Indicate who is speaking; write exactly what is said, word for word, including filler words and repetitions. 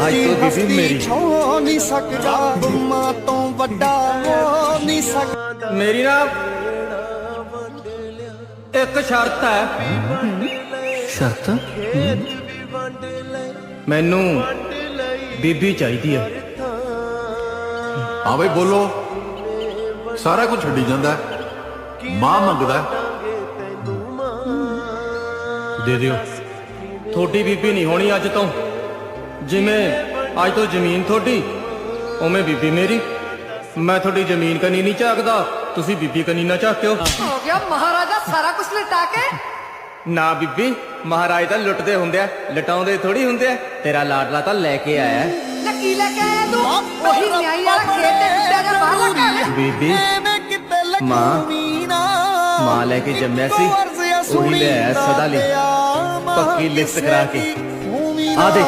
Speaker 1: ਅੱਜ ਤੋਂ ਬੀਬੀ ਮੇਰੀ
Speaker 2: ਛੋ ਨਹੀਂ ਸਕਦਾ ਮਾਂ ਤੋਂ ਵੱਡਾ ਹੋ ਨਹੀਂ ਸਕਦਾ।
Speaker 1: ਮੇਰੀ ਨਾ ਇੱਕ ਸ਼ਰਤ ਹੈ।
Speaker 3: ਸ਼ਰਤ?
Speaker 1: ਮੈਨੂੰ ਬੀਬੀ ਚਾਹੀਦੀ ਹੈ।
Speaker 4: ਹਾਂ ਬਈ ਬੋਲੋ। ਸਾਰਾ ਕੁਝ ਛੱਡੀ ਜਾਂਦਾ, ਮਾਂ ਮੰਗਦਾ।
Speaker 1: ਦੇ ਦਿਓ। ਤੁਹਾਡੀ ਬੀਬੀ ਨਹੀਂ ਹੋਣੀ ਅੱਜ ਤੋਂ। ਜਿਵੇਂ ਅੱਜ ਤੋਂ ਜ਼ਮੀਨ ਤੁਹਾਡੀ, ਉਵੇਂ ਬੀਬੀ ਮੇਰੀ। ਮੈਂ ਤੁਹਾਡੀ ਜ਼ਮੀਨ ਕਨੀ ਨਹੀਂ ਝਾਕਦਾ, ਤੁਸੀਂ ਬੀਬੀ ਕਨੀ ਨਾ ਝਾਕਿਓ।
Speaker 5: ਹੋ ਗਿਆ ਮਹਾਰਾਜਾ ਸਾਰਾ ਕੁਝ ਲਟਾ ਕੇ।
Speaker 1: ਨਾ ਬੀਬੀ, ਮਹਾਰਾਜ ਤਾਂ ਲੁੱਟਦੇ ਹੁੰਦੇ ਆ, ਲਟਾਉਂਦੇ ਥੋੜੀ ਹੁੰਦੇ ਆ। ਤੇਰਾ ਲਾਡਲਾ ਤਾਂ ਲੈ ਕੇ ਆਇਆ।
Speaker 5: ਕੀ ਲੈ ਕੇ ਆਇਆ ਤੂੰ? ਉਹੀ ਨਿਆਈ ਵਾਲਾ ਖੇਤ ਤੇ ਕੁੱਤਿਆ ਜਾ ਬਾਹਰ ਲੱਗਾ।
Speaker 1: ਬੀਬੀ ਮਾਂ ਮਾਂ ਲੈ ਕੇ ਜੰਮਿਆ ਸੀ, ਉਹੀ ਲੈ ਆਇਆ ਸਦਾ ਲਈ ਪੱਕੀ ਲਿਖਤ ਕਰਾ ਕੇ। ਆ ਦੇ